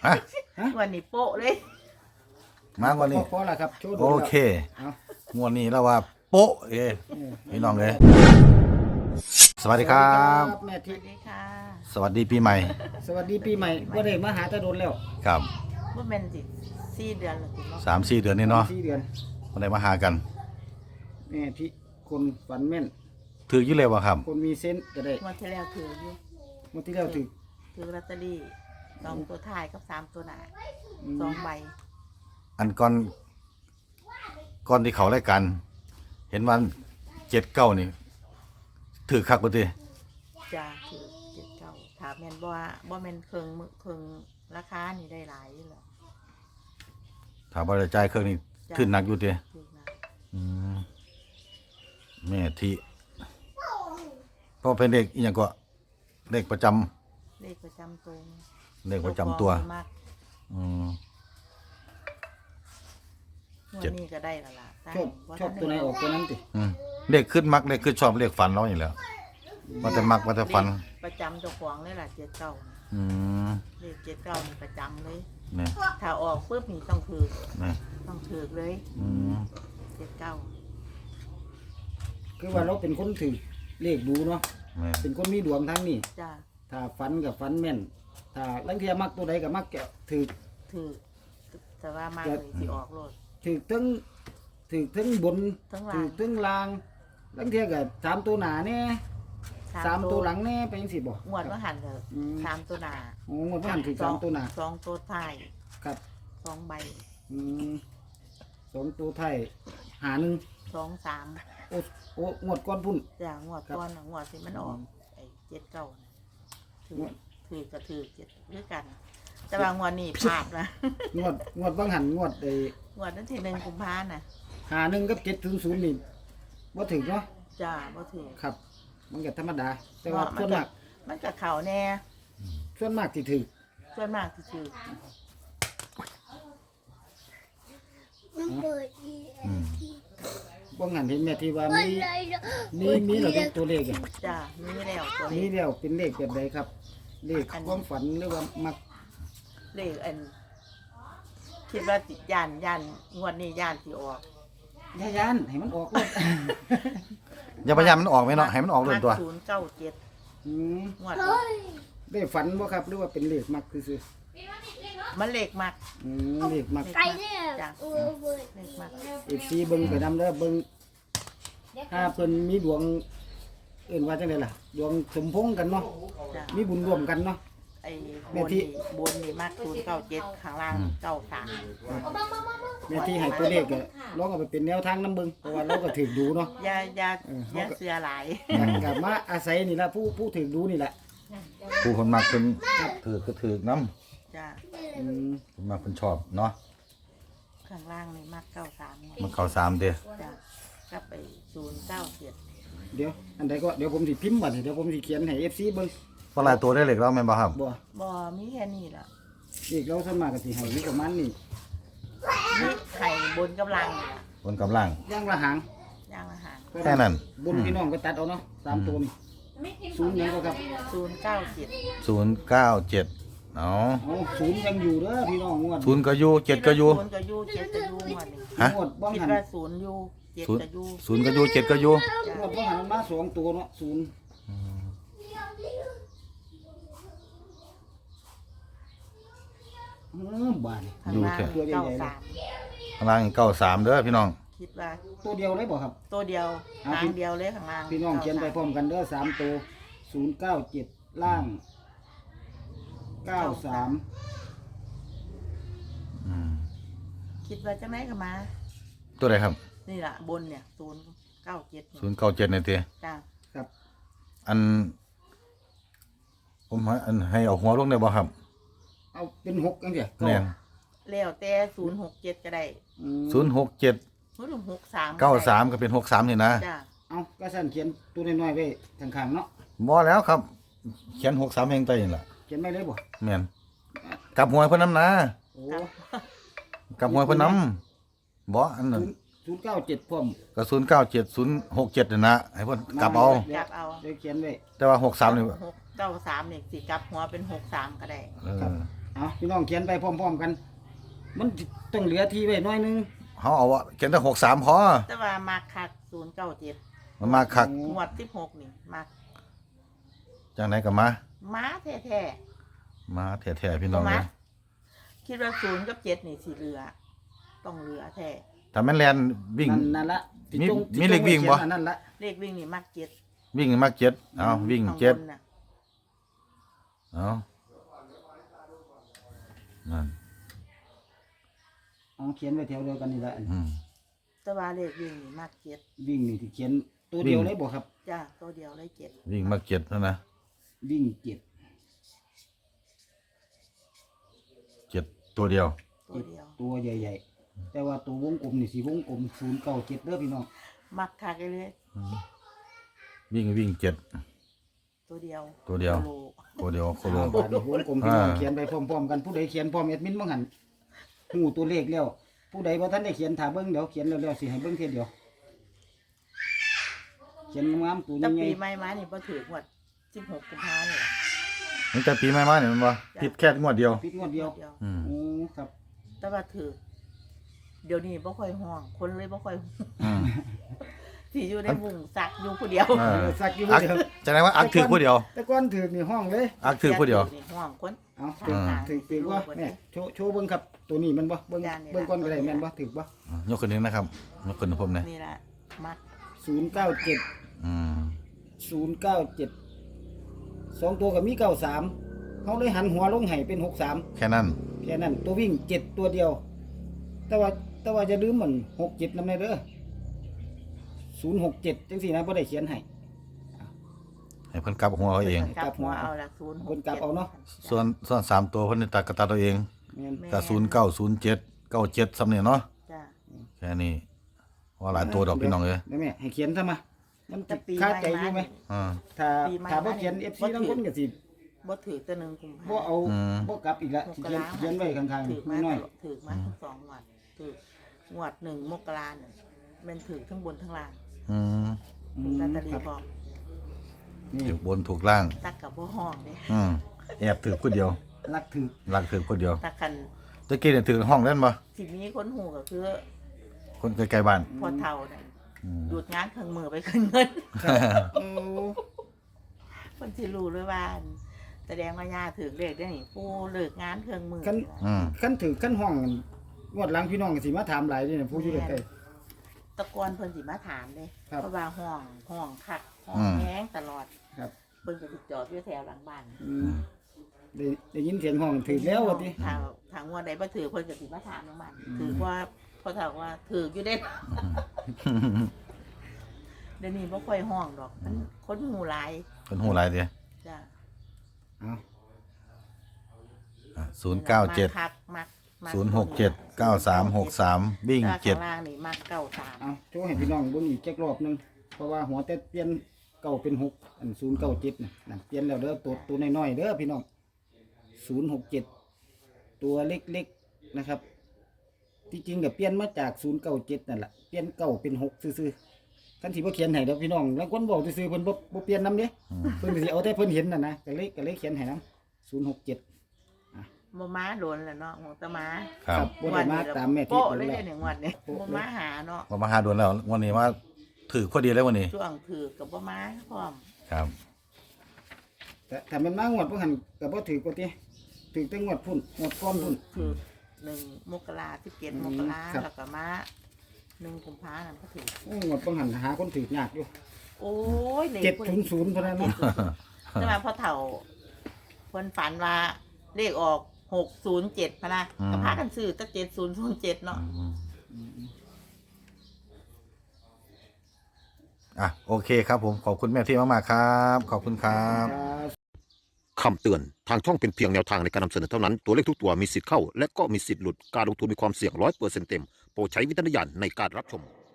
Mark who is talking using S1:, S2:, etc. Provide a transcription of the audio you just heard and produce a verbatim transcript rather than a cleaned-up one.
S1: ฮะ
S2: วันนี้โป๊ะเลย
S1: มากว่านี้
S3: พอละครับโชว์ดู
S1: โอ
S3: แล้ว
S1: เค
S3: เอา
S1: งวดนี้แล้วว่าโป๊ะเอ้พี่น้องเลยสวัสดีครับ
S3: แม่
S2: ส
S3: ทิ
S2: วัสดีค่ะ
S1: สวัสดีปีใหม่
S3: สวัสดีปีใหม่ว่าได้มาหาตาโดนแล้ว
S1: ครับ
S2: ว่าเป็นสิสี่เดือนแล้วติเนาะ
S1: สามสี่เดือนนี่เนาะ
S3: สี่เดือน
S1: วันไหนมาหากัน
S3: แม่ทิคนฝันแม่น
S1: ถืออยู่เลยวะครับ
S3: คนมีเซนส์ก็ได้
S2: งวดที่แล้วถืออยู่
S3: เมื่อที่แล้วถึก
S2: ถือลอตเตอรี่สองตัวท้ายกับสามตัวหน้า
S3: อืม
S2: สองใบ
S1: อันก่อนก่อนที่เขารายการเห็นวันเจ็ดเก้านี่ถือคักบ่ติ
S2: จะถือเจ็ดเก้าถามแม่นบ่ว่าบ่แม่นเครื่องมือเครื่องราคานี่ได้หลายอยู่แล้ว
S1: ถามว่าได้จ่ายเครื่องนี้ขึ้นหนักอยู่ติ
S2: ถือนะ
S1: อืมแม่ที่เพราะเป็นเด็กอีหยังก็เด็กประจำ
S2: เลขประจำตัว
S1: เด็กประจำตัว
S2: มาก
S1: อืม
S2: งว
S1: เจ็
S2: ด
S1: ด
S2: นี้ก็ได้และล่ะได้
S3: ชอบชอบตัวไหนออกตัวนั้นติ
S1: อืมเด็กขึ้นมักเด็กขึ้นชอบเรียกฝันเราอยู่แล้วว่าแต่มักว่าแต่ฝัน
S2: เลขประจำเจ้าของเลยล่ะเจ็ดเก้า
S1: อืม
S2: เลขเจ็ดเก้านี่ประจำเลย
S1: นี่
S2: ถ้าออกปุ๊บนี่ต้องถือ
S1: นี่
S2: ต้องถือเลย
S1: อืม
S2: เจ็ดเก้า
S3: คือว่าเราเป็นคนถือเลขดูเนาะ
S1: นี่
S3: เป็นคนมีดวงทางนี้
S2: จ้า
S3: ถ้าฝันกับฝันแม่น ถ้าลังเทียมักตัวใดกับมักแกะถือ
S2: ถือแต่ว่ามากเลยที่ออกรถ
S3: ถือทั้งถือทั้งบน
S2: ทั้งล่าง
S3: ถือทั้งล่างลังเทียกับสามตัวหนาแน่สามตัวหลังแน่ไปยังสิบ่
S2: งวดว่าหันเถอะ
S3: อืม
S2: สามตัวหนา
S3: โอ้งวดว่าหันถือสามตัวหนา
S2: สองตัวท้าย
S3: ครับ
S2: สองใบ
S3: อืมสองตัวไทยหาหนึ่ง
S2: สองสาม
S3: โอ้โอ้งวดก้อนพุ่น
S2: อย่างงวดก้อนน่ะงวดที่มันออกไอ้เจ็ดเก้าน่ะถือถือก็ถือเจ็ดด้วยกัน แต่ว่างวดนี้พลาดนะ
S3: งวดงวดบางหันงวดไอ้
S2: งวดนั้นที่หนึ่งกุมภาน่ะ
S3: หาหนึ่งกับเจ็ดศูนย์ศูนย์นี่บ่ถึงเนาะ
S2: จ้าบ่ถือ
S3: ครับ มันก็ธรรมดา แต่ว่า
S2: มั
S3: ส่วน
S2: ก็
S3: มาก
S2: มันกับเขาแน่
S3: ส่วนมากที่ถือ
S2: ส่วนมากที่ถือ
S4: มันเปิดอี
S1: อืม
S3: บางหันเห็นแม่ที่ว่ามีมีมีเราเป็นตัวเลขอะ
S2: จ้ามีแล้วตัว
S3: มี
S2: นี้
S3: แล้วเป็นเลขแบบใดครับ เลขความฝันหรือว่ามัก
S2: เลขอันคิดว่าติดยานยานงวดนี้ยานที่ออก
S3: ยายานให้มันออกเลย
S1: อย่าพยายามมันออกไหมเนาะให้มันออกเลยตัว
S2: ศูนย์เก้าเจ็ด
S3: อืม
S2: งวด
S3: ได้ฝันบ่ครับหรือว่าเป็นเลขมักซื่อ
S2: มันเลขมาก
S3: ๆอืมเลขมัก
S4: ไก่เนี่ยเออเปิด
S2: เลขมาก
S3: เอฟซีเบิ่งไปนำเด้อเบิ่งถ้าเพิ่นมีดวงเอื่นว่าจังได๋ล่ะ ดวงสมพงษ์กันเนาะ
S2: จ้า
S3: มีบุญร่วมกันเนาะ
S2: ไอ้
S3: แม่
S2: บน
S3: ที่
S2: นี่บนนี่มากศูนย์เก้าเจ็ดข้างล่างเก้าสาม
S3: แม่ที่ให้ตัวเลขก็ลองเอาไปเป็นแนวทางนํเบิ่งเพราะว่าเราก็ถูกดูเนาะ
S2: อยาอยา
S3: เออ
S2: อยาเสือหลาย
S3: ก็มาอาศัยนี่ล่ะผู้ผู้ถูกดูนี่แหละ
S1: ผู้คนมักเป็นถือก็ถือน้
S2: จ้า
S3: อืม
S1: ำคนมักคนชอบเนาะ
S2: ข้างล่างนี่มากเก้าสาม
S1: มันเข้าสามเด้อ
S2: จ้ากับไปศูนย์เก้าเจ็ด
S3: เดี๋ยวอันใดก็เดี๋ยวผมสิพิมพ์บัดนี้เดี๋ยวผมสิเขียนให้ เอฟ ซี เบิ่ง
S1: เพราะหลายตัวได้เหล็กแล้วแม่นบ่ครับ
S3: บ่
S2: บ่มีแค่นี้ล่ะ
S3: อีกเราส่วนมากก็สิให้อยู่ประมาณนี้
S2: นี่ไข่บนกำลังนี่ล่ะ
S1: บนกำลัง
S3: อย่างละหาง
S2: ย่างอาหาร
S1: แค่นั้น
S3: บนพี่น้องก็ตัดเอาเนาะสามตัวนี่ศูนย์หยังก็ครับ
S2: ศูนย์เก้าเจ็ด
S1: ศูนย์เก้าเจ็ดเอา
S3: เอาศูนย์ยังอยู่เด้อพี่น้องงวด
S1: ศูนย์ก็อยู่เจ็ดก็อยู่
S2: ศูนย์ก็อยู่เจ็ดก็อยู่งวดนี้
S1: ฮะ
S3: งวดบ้อง
S2: คิด
S3: หัน
S2: ว่าศูนย์อยู่เจ็ด
S1: ศูนย์
S2: ก็อยู่
S1: ศูนย์ก็อยู่เจ็ดก็อยู่
S2: จ้ะ
S3: งวดบ้องหันมันมาสองตัวเนาะศูนย์อือบาดนี่
S2: ข้างล่าง
S3: ตัวใหญ่
S2: เก้า
S3: ๆ
S2: สาม
S1: ข้างล่างเก้าสามเด้อพี่น้อง
S2: คิดว่า
S3: ตัวเดียวเลยบ่ครับ
S2: ตัวเดียว
S3: อ่ะ
S2: หางเดียวเลยข้างล่าง
S3: พี่น้องเขียนไปพร้อมกันเด้อสามตัวศูนย์เก้าเจ็ดล่างเก้าสาม
S1: อืม
S2: คิดว่าจะไหนก็มา
S1: ตัวไหนครับ
S2: นี่ล่ะบนเนี่ยศูนย์เก้าเจ็ด
S1: ศูนย์เก้าเจ็ดในเตีย
S2: จ้า
S3: ครับ
S1: อัน ผมให้อันให้เอาหัวลงได้บ่ครับ
S3: เอาเป็นหกกันเถอะ
S1: แน่น
S2: แล้วแต่ศูนย์หกเจ็ดก็ได้
S3: อืม
S1: ศูนย์หกเจ็ด
S2: ศูนย์หกสาม
S1: เก้าสามก็เป็นหกสามนี่นะ
S2: จ้า
S3: เอาก็สั่นเขียนตัวน้อยๆไว้ข้างๆเนาะ
S1: บ่แล้วครับ เขียนหกสามเองไปนี่ล่ะ
S3: เขียนไม่เลยบ่
S1: แม่นกลับหัวเพิ่นน้ำนะ
S3: โอ้
S2: ครับ
S1: กลับหัวเพิ่นน้ำบ่อันนั้น
S3: ศูนย์เก้าเจ็ดพร้อม
S1: ก็ศูนย์เก้าเจ็ดศูนย์หกเจ็ดนี่นะให้เพิ่นกลับเอา
S2: กลับเอา
S3: เดี๋ยวเขียนไว้
S1: แต่ว่าหกสามนี่
S2: หกเก้าสามเนี่ยสิกลับหัวเป็นหกสามก็ได้
S1: เออ
S3: อเอาพี่น้องเขียนไปพร้อมๆกัน มันต้องเหลือที่ไว้หน้อยนึง
S1: เขาเอาว่าเขียนแต่หกสามพอ
S2: แต่ว่ามาคักศูนย์เก้าเจ็ด
S1: มันมาคัก
S2: งวดสิบหกนี่มา
S1: จังไหนกับมา
S2: ม้าแท้
S1: มาแท้ๆพี่
S2: ๆ
S1: น้อง
S2: มา
S1: เลย
S2: คิดว่าศูนย์กับเจ็ดนี่สีเหลือ ต้องเหลือแท้
S1: ถ้าแม่นแลนวิ่ง
S3: นั่นนั่นละที่
S1: มี
S3: จง
S1: มีเลขวิ่งบ่
S3: ที่จไขียนอันนั่นละ
S2: เลขวิ่งนี่มักเจ็ด
S1: วิ่งมาเจ็ดเอาวิ่ง
S2: ข้างบ
S1: เจ็ด
S2: นน่ะ
S1: เอานั่น
S3: เอาเขียนไว้แถวเดียวกันนี่ละอัน
S1: อืม
S2: แต่ว่าเลขวิ่งนี่มักเจ็ด
S3: วิ่งนี่ที่เขียนตัวเดียว
S1: วิ่ง
S3: เลยบ่ครับ
S2: จ้าตัวเดียวเลยเจ็ด
S1: วิ่งมาเจ็ดนั่นนะ
S3: วิ่งเจ็ด
S1: เจ็ดตัวเดียว
S2: ตัวเดียว
S3: ตัวใหญ่ๆ แต่ว่าตัววงกลมนี่สีวงกลมศูนย์เก้าเจ็ดเด้อพี่น้อง
S2: มักคักเลย
S1: วิ่งวิ่งเจ็ด
S2: ตัวเดียว
S1: ตัวเดียว
S2: โล
S1: ตัวเดียวโคโล
S3: บาดนี้วงกลมพี่น้อง
S1: อ่า
S3: เขียนไปพร้อมๆกันผู้ใดเขียนพร้อมแอดมินบ่หันหูตัวเลขแล้ว ผู้ใดบ่ทันได้เขียนถ้าเบิ่งเดี๋ยวเขียนแล้วๆสิให้เบิ่งเทียเดียว เขียนงามๆตัว
S2: แต่
S3: ใหญ่
S2: ปีใหม่มานี่บ่ถือหมดสิบหกกุมภาเนี่ย
S1: นี่แต่ปีใหม่มาเนี่ยมันบ่ผิดแค่งวดเดียว
S3: ๆปิดงวดเดียว
S2: เดียว
S1: อืม
S3: โอ้ครับ
S2: แต่ว่าถือเดี๋ยวนี้บ่ค่อยห่วง คนเลยบ่ค่อย
S1: อืม
S2: ที่อยู่ในมุงซักอยู่ผู้เดียว
S1: เออ
S3: สักอยู่
S1: อัก
S3: เดียว
S1: จะได้ว่าอักถือผู้เดียว
S3: แต่ก่อนถือนี่ห้องเลย
S1: อักถือผู้เดียว
S2: นี่ห่วงคน
S3: เอา
S2: ทางทาง
S3: ถือถือว่าแม่โชว์โชว์เบิ่งครับ ตัวนี้มันบ่เบิ่ง
S2: จานนี่ล่ะ
S3: เบิ่งก่อนก็ได้แม่นบ่ถือบ่
S1: ยกขึ้นนึงนะครับยกขึ้นให้ผมหน่อย
S2: นี่แหละมัก
S3: ศูนย์เก้าเจ็ด
S1: อืม
S3: ศูนย์เก้าเจ็ดสองตัวก็มีเก้าสามเขาเลยหันหัวลงให้เป็นหกสาม
S1: แค่นั้น
S3: แค่นั้นตัววิ่งเจ็ดตัวเดียว แต่ว่าแต่ว่าจะลืมมันหกเจ็ดนำในเด้อศูนย์หกเจ็ดจังสี่นะพ่ได้เขียนให้
S1: ให้เพิ่นกลับหัวเขาเอง
S2: กลับหัวเอาละศูนย์ห
S3: คนกลับเอาเนาะ
S1: ส่วนส่วนสามตัวเพิ่นนี่ตัดกระตัดตัวเอง
S3: แม่น
S1: ก็ศูนย์เก้าศูนย์เจ็ดเก้าเจ็ดสำเนี่ยเนาะ
S2: จ้า
S1: แค่นี้ว่าหลายตัวดอกพี่น้องเอ้ย
S3: ได้แม่ให้เขียนซะมามัน
S2: แต่ปี
S3: คา
S2: ใหม่
S3: ใจอยู่ไหม
S2: มานี่
S1: อ่า
S3: ถ้า
S2: ปีใหม่
S3: ถ้าบ่เขียน
S2: มานี่
S3: เอฟซีทั้งคนก็สิ
S2: บ่ถือตัวหนึ่งกุมภา
S3: บ่เอา
S1: อืม
S3: บ่กลับอีกละ
S2: ม
S3: สิ
S2: ก
S3: เขียน
S2: รา
S3: เขียนไว้ข้าง
S2: ถือมา
S3: ๆ
S2: ต
S3: น้อย
S2: ลอดถือมาทั้งสองงวดถืองวดหนึ่งมกราเนี่ยมันถือทั้งบนทั้งล่าง
S1: อืม
S3: ๆอื
S2: ถูก
S3: ม
S2: ลอตเตอรี่
S3: ครับ
S2: พร้อม
S3: นี่
S1: ถูกบนถูกล่าง
S2: ตักกับบ่ห้องเด้
S1: อืมแอบถือคนเดียว
S3: รักถือ
S1: รักถือคนเดียว
S2: ตักกัน
S1: ตะกี้เนี่ยถือห้องเล่นบ่
S2: ที่มีคนหูก็คือ
S1: คนใกล้ๆบ้าน
S2: พอเท่าเนี่ย
S1: อืม
S2: หยุดงานเครื่องมือไปขึ้นเงิน
S3: โอ้
S2: คนที่รู้ด้วยว่าแสดงว่าย่าถือเลขได้นี่ผู้เลิกงานเครื่องมือ
S3: คัน
S1: อืม
S3: คันถือคันห้องงวดหลังพี่น้องก็สิมาถามหลายเด้นะผู้อยู่ใกล้
S2: ตะกอนเพิ่นสิมาถามเด้
S3: ครับ
S2: เพราะว่าห้องห้องคักห้อง
S1: อืม
S2: แห้งตลอด
S3: ๆครับ
S2: เพิ่นก็สิจอดอยู่แถวหลังบ้าน
S3: อืมได้ได้ยินเสียงห้องถือแล้วว่าติ
S2: ทางทางว่าใดบ่ถือเพิ่นก็สิมาถามน้องมันถือว่าพอถามว่าถืออยู่เด้ เดี๋ยวนี้บ่ค่อยห้องดอกมันคนหูหลาย
S1: เป็นหูหลายเดีย
S2: จ้ะ
S3: เอา
S1: ศูนย์เก้าเจ็ด
S2: มักคักมักมัก
S1: ศูนย์หกเจ็ดเก้าสามหกสามวิ่ง
S2: แต่
S1: เจ็ด
S2: ข้างล่างนี่มักเก้าสาม
S3: เอาโชว์ให้พี่น้องเบิ่งอีกจักรอบหนึงเพราะว่าหัวแต่เปลี่ยนเก้าเป็นหกอันศูนย์เก้าเจ็ดน่ะนั่นเปลี่ยนแล้วเด้อตัวตัวน้อยๆเด้อพี่น้องศูนย์หกเจ็ดตัวเล็กๆนะครับ ที่จริงก็เปลี่ยนมาจากศูนย์เก้าเจ็ดนั่นแหละเปลี่ยนเก้าเป็นหกซื่อๆท่านที่บ่เขียนให้เด้อพี่น้องแล้วคนบอกซื่อๆเพิ่นบ่บ่เปลี่ยนนำเด้เพิ่นก็สิเอาแต่เพิ่นเห็นน่ะนะก็เลยก็เลยเขียนให้นำศูนย์หกเจ็ด
S2: บ่ม้าโดนแล้วเนาะหัวตะม้า
S1: ครับ
S3: บ่ได้มาตามแม่ที่
S2: โป๊ะ
S3: เพิ่น
S2: เลย
S3: แล้ว
S2: เด้หนึ่งวันเนี่ยบ่ม้าหาเนาะ
S1: ก็มาหาดวนแล้ววันนี้ว่าถือพอดีแล้ววันนี้
S2: ช่วงถือกับบ่ม้าพร้อม
S1: ครับ
S3: แต่ถ้ามันมางวดบ่หันก็บ่ถือกว่าติถือแต่งวดพุ่นงวดก่อนพุ่น
S2: ถือหนึ่งมกราสิบเจ็ด
S3: อื
S2: ม
S3: ม
S2: กรา
S3: ครับ
S2: แล้วก็ม้าหนึ่งกุมภาพันธ์ก็ถือ
S3: โอ้งวดบ่หันหาคนถือยากอยู่
S2: โอ้ยเลข
S3: เจ็ดศูนย์ศูนย์เท่านั้นเนาะ
S2: แต่ว่าพอเฒ่าคนฝันว่าเลขออกหกศูนย์เจ็ดพะนะ
S1: อืม
S2: ก็พากันซื้อตั้งเจ็ดศูนย์ศูนย์เจ็ดเนาะ
S1: อ่ะโอเคครับผมขอบคุณแม่ที่มากๆครับ ขอบคุณครับ
S5: คำเตือน ทางช่องเป็นเพียงแนวทางในการนำเสนอเท่านั้น ตัวเลขทุกตัวมีสิทธิ์เข้า และก็มีสิทธิ์หลุด การลงทุนมีความเสี่ยงร้อยเปอร์เซ็นต์เต็ม โปรดใช้วิจารณญาณในการรับชม